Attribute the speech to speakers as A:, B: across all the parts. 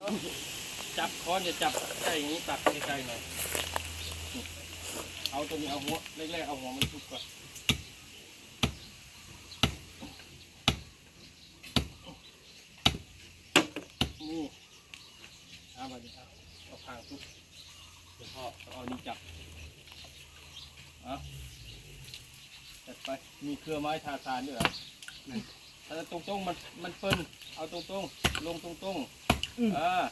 A: จับค้อนจะจับใกล้อย่างนี้ตัดใกล้ๆหน่อยเอาตัวนี้เอาหัวแรกๆเอาหัวมันทุบก่อนนี่เอาไปดิเอาพางทุบเดี๋ยวพ่อเอานี้จับจัดไปมีเครือไม้ทาซานด้วยเหรอถ้าตรงๆมันเปิ้นเอาตรงๆลงตรงๆ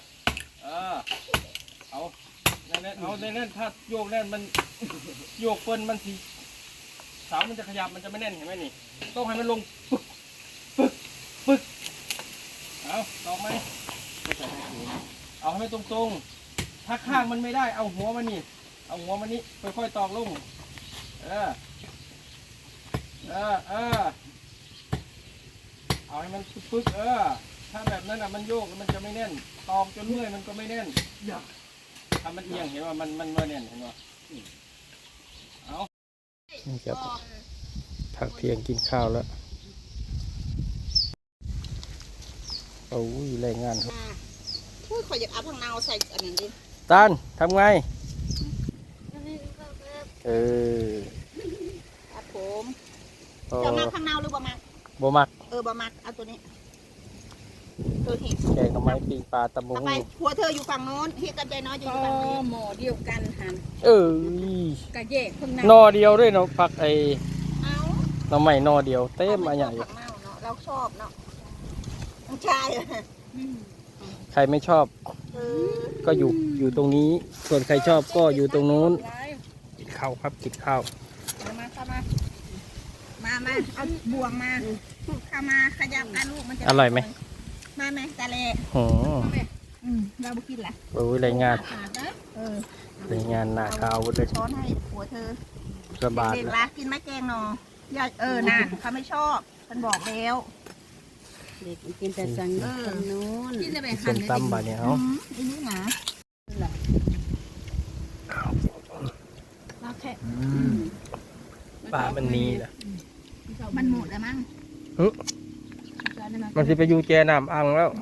A: เอาแน่นเอาแน่นถ้าโยกแน่นมันโยกเปิ้นมันสีเสามันจะขยับมันจะไม่แน่นเห็นไหมนี่ต้องให้มันลงปึ๊กเอาลองไหมเอาให้ตรงๆถ้าข้างมันไม่ได้เอาหัวมันนี่เอาหัวมันนี่ค่อยๆตอกลงเอาให้มันปึ๊กถ้าแบบนั้นมันโยกมันจะไม่แน่นตอกจนเมื่อยมันก็ไม่แน่นถ้ามันเอียงเห็นว่ามันไม่แน่นเห็นว่าเอานี่ครับพักเที่ยงกินข้าวแล้วโอ้ยแรงงานครับ
B: พูดขออยากเอาผักนาวใส่อันนี้ดิ
A: ตานทำไง
B: ครับผมจะมักผักนาวหรือบ่มัก
A: บ่มัก
B: บ่มักเอาตัวนี้ตัวหิ
A: แกงทำไมปีปลาตะมุง
B: ไปหัวเธออยู่ฝั่งโน้นเฮียกับใจน้อยอยู่ฝั่งนี้หมอเดียวกันหันกระเยกข้างใน
A: นอเดียวด้วยเนาะผักเราใหม่นอเดียวเต็มมาใหญ่
B: เราชอบเนาะต้องชาย
A: ใครไม่ชอบก็อยู่ตรงนี้ส่วนใครชอบก็อยู่ตรงนู้นกินข้าวครับกินข้าว
B: มาเอาบ่วงมาเข้ามาขยับกันลูกมันจะ
A: อร่อยไหม
B: มาไหมตาเล่เราบุกินแหละ
A: โอ้ยรายงานรายงานหน้าข้าวเลย
B: ช้อนให้ผัวเธอ
A: สบาย
B: เด็กๆละกินไม่แกงหนอนานเขาไม่ชอบฉันบอกแล้ว
C: เด็กกินแต่สังนู้น
A: กินจะไปหั่นตำบะเนี่ยเอา
B: อันนี้นะเราแค่
A: ปลามันนีแหละ
B: มันหมดแล้วมั้ง
A: มันจะไปอยู่แจน้ำอ่างแล้ว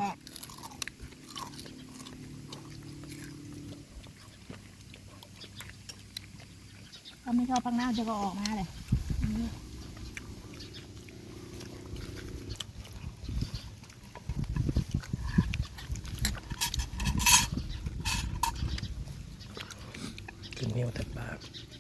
B: เขาไม่ชอบพังหน้าจะก็ออกมาเลย
A: กินเนียวแต่ปลา